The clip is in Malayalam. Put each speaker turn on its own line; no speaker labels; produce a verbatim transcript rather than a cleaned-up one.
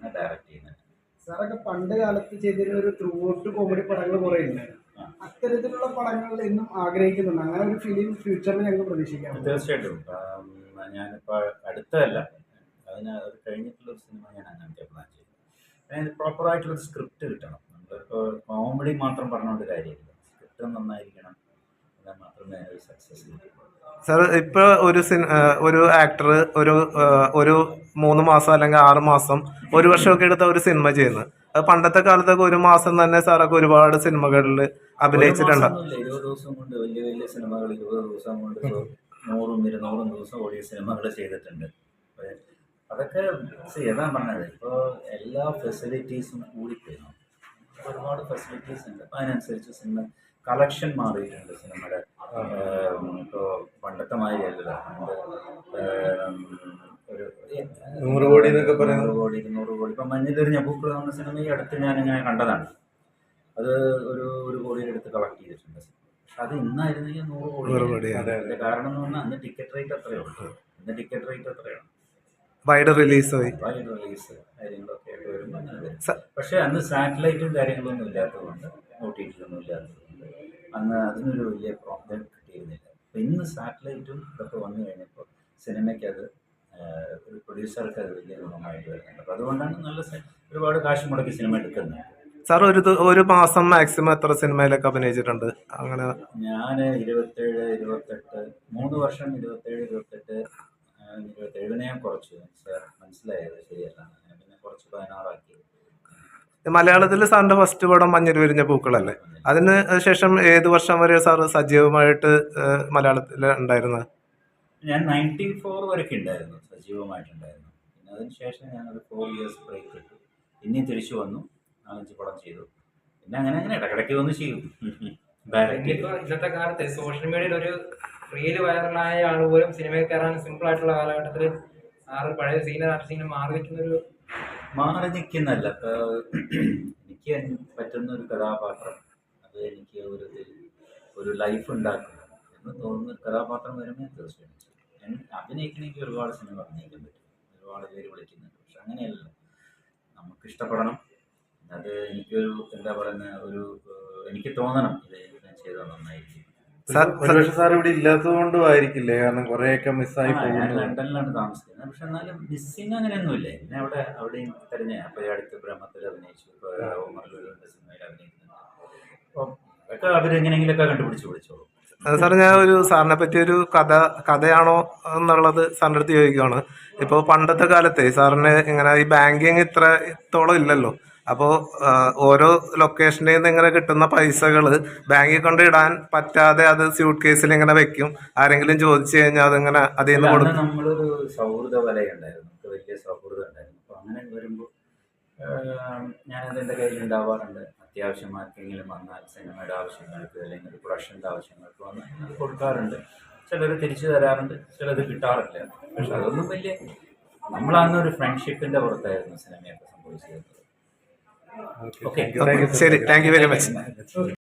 ഡയറക്റ്റ് ചെയ്യുന്നത്.
സാറൊക്കെ പണ്ട് കാലത്ത് ചെയ്തിരുന്ന ഒരു ത്രൂ ഔട്ട് കോമഡി പടങ്ങൾ കുറെ ഉണ്ടായിരുന്നു. അത്തരത്തിലുള്ള പടങ്ങൾ എന്നും ആഗ്രഹിക്കുന്നുണ്ട്. അങ്ങനെ ഒരു ഫിലിം ഫ്യൂച്ചറിൽ ഞങ്ങൾക്ക് പ്രതീക്ഷിക്കാം.
തീർച്ചയായിട്ടും. ഞാനിപ്പോൾ അടുത്തല്ല, അതിന് അത് കഴിഞ്ഞിട്ടുള്ളൊരു സിനിമ ഞാൻ അങ്ങനത്തെ പ്ലാൻ ചെയ്തു. അതിന് പ്രോപ്പറായിട്ടുള്ളൊരു സ്ക്രിപ്റ്റ് കിട്ടണം. നമ്മളിപ്പോൾ കോമഡി മാത്രം പറഞ്ഞുകൊണ്ട് കാര്യമില്ല, സ്ക്രിപ്റ്റ് നന്നായിരിക്കണം. എന്നാൽ മാത്രമേ അതിനൊരു സക്സസ് കിട്ടുള്ളൂ.
സാർ ഇപ്പോൾ ഒരു സിനി ഒരു ആക്ടർ ഒരു ഒരു മൂന്ന് മാസം അല്ലെങ്കിൽ ആറ് മാസം ഒരു വർഷമൊക്കെ എടുത്ത ഒരു സിനിമ ചെയ്യുന്നത്, അത് പണ്ടത്തെ കാലത്തൊക്കെ ഒരു മാസം തന്നെ സാറൊക്കെ ഒരുപാട് സിനിമകളിൽ അഭിനയിച്ചിട്ടുണ്ട്.
ഇരുപത് ദിവസം കൊണ്ട് വലിയ വലിയ സിനിമകൾ ഇരുപത് ദിവസം കൊണ്ട് നൂറും ഇരുന്നൂറും ദിവസം ഓടിയ സിനിമകൾ ചെയ്തിട്ടുണ്ട്. അതൊക്കെ ഏതാ പറഞ്ഞത്, ഇപ്പോൾ എല്ലാ ഫെസിലിറ്റീസും കൂടിപ്പോയി. ഒരുപാട് ഫെസിലിറ്റീസ് ഉണ്ട്. അപ്പോൾ അതിനനുസരിച്ച് സിനിമ കളക്ഷൻ മാറിയിട്ടുണ്ട് സിനിമയുടെ. ഇപ്പോൾ പണ്ടത്തെ മാതിരിയല്ല. പണ്ട് ഒരു
നൂറ് കോടി എന്നൊക്കെ പറയാം,
നൂറ് കോടി ഇരുന്നൂറ് കോടി. ഇപ്പം മഞ്ഞിലെറിഞ്ഞ പൂക്കൾ എന്ന സിനിമ ഈ അടുത്ത് ഞാനിങ്ങനെ കണ്ടതാണ്. അത് ഒരു ഒരു കോടിയുടെ അടുത്ത് കളക്ട് ചെയ്തിട്ടുണ്ട്. പക്ഷെ അത് ഇന്നായിരുന്നെങ്കിൽ നൂറ് കോടി. അതിൻ്റെ കാരണം എന്ന് പറഞ്ഞാൽ അന്ന് ടിക്കറ്റ് റേറ്റ് അത്രയേ ഉള്ളൂ. ഇന്ന് ടിക്കറ്റ് റേറ്റ് അത്രയാണ്.
വൈഡ് റിലീസ്
വൈഡ് റിലീസ് കാര്യങ്ങളൊക്കെ ആയിട്ട് വരുമ്പോൾ അങ്ങനെ വരും. പക്ഷേ അന്ന് സാറ്റലൈറ്റും കാര്യങ്ങളൊന്നും ഇല്ലാത്തതുകൊണ്ട്, ഒ ടി ടിയിലൊന്നും ഇല്ലാത്തതുകൊണ്ട് അന്ന് അതിനൊരു വലിയ പ്രോബ്ലം കിട്ടിയിരുന്നില്ല. അപ്പോൾ ഇന്ന് സാറ്റലൈറ്റും ഇതൊക്കെ വന്നു കഴിഞ്ഞപ്പോൾ സിനിമയ്ക്ക് അത് ഒരു പ്രൊഡ്യൂസർക്ക് അത് വലിയ ഗുണമായിട്ട് വരുന്നുണ്ട്. അപ്പോൾ അതുകൊണ്ടാണ് നല്ല ഒരുപാട് കാശ് മുടക്കി സിനിമ എടുക്കുന്നത്.
സാർ ഒരു ഒരു മാസം മാക്സിമം എത്ര സിനിമയിലൊക്കെ അഭിനയിച്ചിട്ടുണ്ട്? അങ്ങനെ
ഞാൻ ഇരുപത്തേഴ് ഇരുപത്തെട്ട് മൂന്ന് വർഷം ഇരുപത്തേഴ് ഇരുപത്തെട്ട് ഇരുപത്തേഴിനെ ഞാൻ കുറച്ചു സാർ മനസ്സിലായത് ശരിയല്ല, പിന്നെ കുറച്ച് പതിനാറാക്കി.
മലയാളത്തിൽ സാറിന്റെ ഫസ്റ്റ് പടം മഞ്ഞിൽ വിരിഞ്ഞ പൂക്കളല്ലേ? അതിന് ശേഷം ഏത് വർഷം വരെ സാർ സജീവമായിട്ട് മലയാളത്തിൽ ഉണ്ടായിരുന്നത്?
ഞാൻ നയൻറ്റി ഫോർ വരെയൊക്കെ ഉണ്ടായിരുന്നു, സജീവമായിട്ടുണ്ടായിരുന്നു. പിന്നെ അതിന് ശേഷം ഞാനൊരു ഫോർ ഇയേഴ്സ് ബ്രേക്ക് കിട്ടും. പിന്നെയും തിരിച്ചു വന്നു, നാലഞ്ച് പടം ചെയ്തു. പിന്നെ അങ്ങനെ അങ്ങനെ ഇടയ്ക്കിടയ്ക്ക് വന്ന് ചെയ്യും.
ഇന്നത്തെ കാലത്ത് സോഷ്യൽ മീഡിയയിൽ ഒരു റീല് വൈറലായ ആൾ പോലും സിനിമയിൽ കയറാൻ സിമ്പിൾ ആയിട്ടുള്ള കാലഘട്ടത്തിൽ ആറ് പഴയ സീനിയർ ആർട്ടിസ്റ്റിനെ മാറി നിൽക്കുന്നൊരു
മാറി നിൽക്കുന്നല്ല. എനിക്ക് പറ്റുന്ന ഒരു കഥാപാത്രം, അത് എനിക്ക് ഒരു ഒരു ലൈഫ് ഉണ്ടാക്കുന്നു എന്ന് തോന്നുന്ന ഒരു കഥാപാത്രം വരുമ്പോൾ തീർച്ചയായിട്ടും ഞാൻ അഭിനയിക്കണമെങ്കിൽ ഒരുപാട് സിനിമ അഭിനയിക്കാൻ പറ്റും, ഒരുപാട് പേര് വിളിക്കുന്നുണ്ട്. പക്ഷെ അങ്ങനെയല്ല, നമുക്ക് ഇഷ്ടപ്പെടണം. അത് എനിക്കൊരു എന്താ പറയുന്ന ഒരു എനിക്ക് തോന്നണം ഇത് ഞാൻ ചെയ്താൽ നന്നായിരിക്കും.
സാർ ഇവിടെ ഇല്ലാത്തത് കൊണ്ടും ആയിരിക്കില്ലേ? കാരണം കുറെയൊക്കെ മിസ്സായി പോകും.
ഞാൻ ലണ്ടനിലാണ് താമസിക്കുന്നത്. പക്ഷെ എന്നാലും മിസ്സിങ് അങ്ങനെയൊന്നുമില്ല. എന്നെ അവിടെ അവിടെയും തെരഞ്ഞ അപ്പോൾ ഈ അടുത്ത് ബ്രഹ്മത്തിൽ അഭിനയിച്ചു, ഇപ്പോൾ ഓമർലൂരിൻ്റെ സിനിമയിൽ അഭിനയിക്കുന്നുണ്ട്. അപ്പോൾ അതൊക്കെ അവരെങ്ങനെയെങ്കിലൊക്കെ കണ്ടുപിടിച്ച് വിളിച്ചോളൂ.
സാർ ഞാൻ ഒരു സാറിനെ പറ്റി ഒരു കഥ കഥയാണോ എന്നുള്ളത് സാറിൻ്റെ അടുത്ത് ചോദിക്കുകയാണ്. ഇപ്പോൾ പണ്ടത്തെ കാലത്തെ സാറിന് ഇങ്ങനെ ഈ ബാങ്കിങ് ഇത്ര ഇത്തോളം ഇല്ലല്ലോ. അപ്പോൾ ഓരോ ലൊക്കേഷനിൽ നിന്ന് ഇങ്ങനെ കിട്ടുന്ന പൈസകൾ ബാങ്കിൽ കൊണ്ട് ഇടാൻ പറ്റാതെ അത് സ്യൂട്ട് കേസിൽ ഇങ്ങനെ വെക്കും. ആരെങ്കിലും ചോദിച്ചു കഴിഞ്ഞാൽ അതിങ്ങനെ അതിൽ നിന്ന് കൊടുക്കും.
നമ്മളൊരു സൗഹൃദ വലയുണ്ടായിരുന്നു, നമുക്ക് വലിയ സൗഹൃദം ഉണ്ടായിരുന്നു. അപ്പോൾ അങ്ങനെ വരുമ്പോൾ ഞാനത് എൻ്റെ കയ്യിൽ ഉണ്ടാവാറുണ്ട്. അത്യാവശ്യം ആർക്കെങ്കിലും വന്നാൽ സിനിമയുടെ ആവശ്യങ്ങൾക്ക് അല്ലെങ്കിൽ പ്രൊഡക്ഷൻ്റെ ആവശ്യങ്ങൾക്ക് വന്നാൽ അത് കൊടുക്കാറുണ്ട്. ചിലർ തിരിച്ചു തരാറുണ്ട്, ചിലത് കിട്ടാറില്ല. പക്ഷെ അതൊന്നും വലിയ നമ്മളന്നൊരു ഫ്രണ്ട്ഷിപ്പിൻ്റെ പുറത്തായിരുന്നു സിനിമയൊക്കെ സംഭവിച്ചത്.
ശരി, താങ്ക് യു വെരി മച്ച്.